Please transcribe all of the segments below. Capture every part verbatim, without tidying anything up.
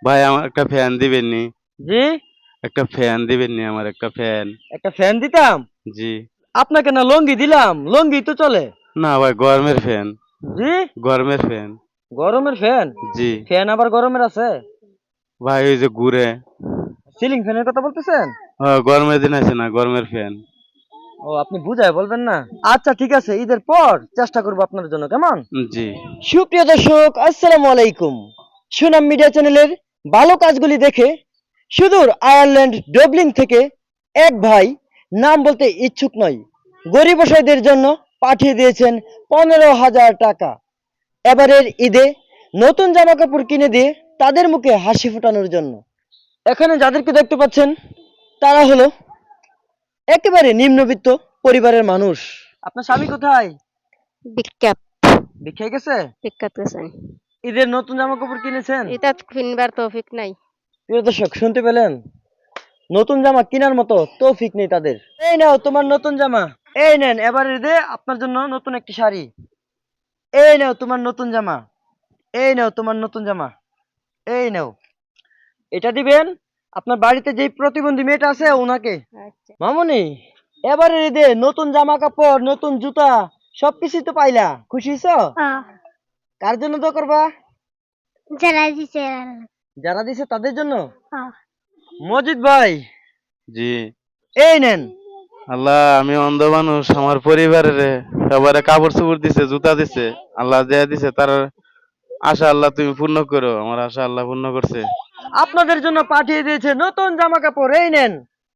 ভাই আমার একটা ফ্যান দিবেন নি? জি। একটা ফ্যান দিবেন নি আমার একটা ফ্যান? একটা ফ্যান দিতাম। জি। আপনাকে না লঙ্গি দিলাম, লঙ্গি তো চলে। না ভাই গরমের ফ্যান। জি। গরমের ফ্যান। গরমের ফ্যান? জি। ফ্যান আবার গরমের আছে? ভাই ওই যে ঘুরে। সিলিং ফ্যানের কথা বলতেছেন? ও গরমের দিন আছে না গরমের ফ্যান। ও আপনি বুঝায় বলবেন না। আচ্ছা ঠিক আছে, ঈদের পর চেষ্টা করব আপনার জন্য, কেমন? জি। সুপ্রিয় দর্শক, আসসালামু আলাইকুম। সুনাম মিডিয়া চ্যানেলের ভালো কাজগুলি দেখে সুদূর আয়ারল্যান্ড ডবলিং থেকে এক ভাই, নাম বলতে ইচ্ছুক নয়, গরিব অসহায়দের জন্য পাঠিয়ে দিয়েছেন পনেরো হাজার টাকা। এবারের ঈদে নতুন জামা কাপড় কিনে দিয়ে তাদের মুখে হাসি ফোটানোর জন্য। এখানে যাদেরকে দেখতে পাচ্ছেন তারা হলো একেবারে নিম্নবিত্ত পরিবারের মানুষ। আপনার স্বামী কোথায়? বিখ্যাত ভিক্ষায় গেছে? বিখ্যাত গেছেন। ঈদের নতুন জামা কাপড় কিনেছেন? এটা কিনবার তৌফিক নাই। প্রিয় দর্শক, শুনতে পেলেন? নতুন জামা কেনার মতো তৌফিক নেই তাদের। এই নাও তোমার নতুন জামা। এই নেন, এবার ঈদে আপনার জন্য নতুন একটি শাড়ি। এই নাও তোমার নতুন জামা। এই নাও তোমার নতুন জামা। এই নাও। এটা দিবেন আপনার বাড়িতে যে প্রতিবন্ধী মেয়েটা আছে ওনাকে। আচ্ছা। মামুনি, এবারে ঈদে নতুন জামা কাপড়, নতুন জুতা সবকিছুই তো পাইলা, খুশি হইছো? কার জন্য তো করবা? যারা দিছে যারা দিছে তাদের জন্য। মজিদ ভাই, জি। এই নেন। আল্লাহ আমি অন্ধ মানুষ, আমার পরিবারের সবারে কাপড় চোপড় দিছে, জুতা দিছে। আল্লাহ দেয়া দিছে তার আশা আল্লাহ তুমি পূর্ণ করো। আমার আশা আল্লাহ পূর্ণ করছে। আপনাদের জন্য পাঠিয়ে দিয়েছে নতুন জামা কাপড়, এই নেন।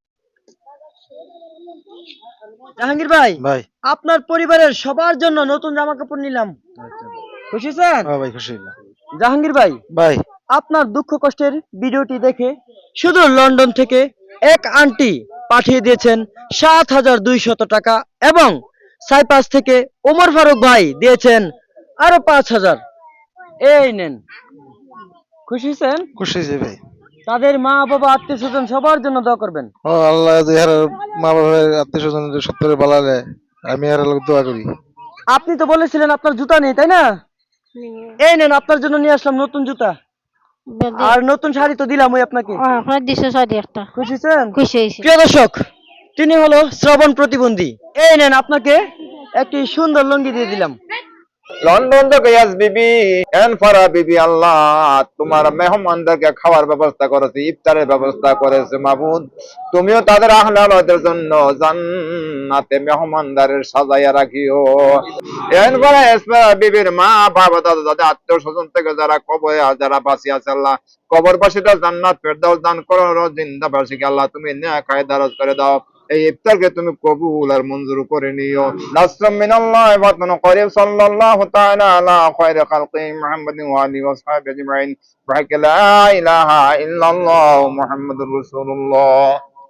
জাহাঙ্গীর ভাই, ভাই। আপনার পরিবারের সবার জন্য নতুন জামা কাপড় নিলাম। খুশি স্যার? হ্যাঁ ভাই, খুশি হইলাম। জাহাঙ্গীর ভাই, ভাই। আপনার দুঃখ কষ্টের ভিডিওটি দেখে শুধু লন্ডন থেকে এক আন্টি পাঠিয়ে দিয়েছেন সাত হাজার দুইশত টাকা, এবং সাইপাস থেকে ওমর ফারুক ভাই দিয়েছেন আরো পাঁচ হাজার। এই নেন। খুশি হয়েছেন? খুশি হয়েছি ভাই। তাদের মা বাবা আত্মীয় স্বজন সবার জন্য দোয়া করবেন। ও আল্লাহ যার মা বাবার আত্মীয় স্বজন সত্তরে বালা দেয়, আমি আর লোক দোয়া করি। আপনি তো বলেছিলেন আপনার জুতা নেই, তাই না? এই নেন, আপনার জন্য নিয়ে আসলাম নতুন জুতা আর নতুন শাড়ি তো দিলাম ওই আপনাকে। আপনার দিছে শাড়ি একটা। খুশি হয়েছেন? খুশি হয়েছি। প্রিয় দর্শক, তিনি হলো শ্রবণ প্রতিবন্ধী। এই নেন, আপনাকে একটি সুন্দর লুঙ্গি দিয়ে দিলাম। লন্ডন থেকে ইয়াস বিবি এন ফারা বিবি, আল্লাহ তোমার মেহমানদেরকে খাওয়ার ব্যবস্থা করেছে, ইফতারের ব্যবস্থা করেছে মাবুদ। তুমিও তাদের আহলালদের জন্য জান্নাতে মেহমানদারের সাজাইয়া রাখিও। এন ফারা এসফারা বিবির মা বাবা দাদা দাদা আত্মীয় স্বজন থেকে যারা কবরে যারা বাঁচি আছে, আল্লাহ কবরবাসীরা জান্নাত ফেরদাউস দান করো, জিন্দাবাসীকে আল্লাহ তুমি নেকায় দারাজ করে দাও। এই ইফতারকে তুমি কবুল আর মঞ্জুর করে নিও। নাসরুম মিনাল্লাহি ওয়া ফাতহুন করিব। সাল্লাল্লাহু তাআলা আলা খায়রি খালকি মুহাম্মাদিন ওয়া আলিহি ওয়া সাহবিহি আজমাইন। ওয়া লা ইলাহা ইল্লাল্লাহ মুহাম্মাদুর রাসূলুল্লাহ।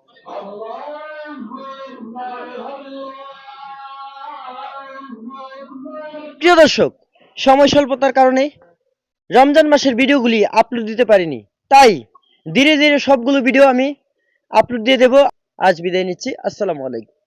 প্রিয় দর্শক, সময় স্বল্পতার কারণে রমজান মাসের ভিডিওগুলি আপলোড দিতে পারিনি, তাই ধীরে ধীরে সবগুলো ভিডিও আমি আপলোড দিয়ে দেব। আজ বিদায় নিচ্ছি। আসসালামু আলাইকুম।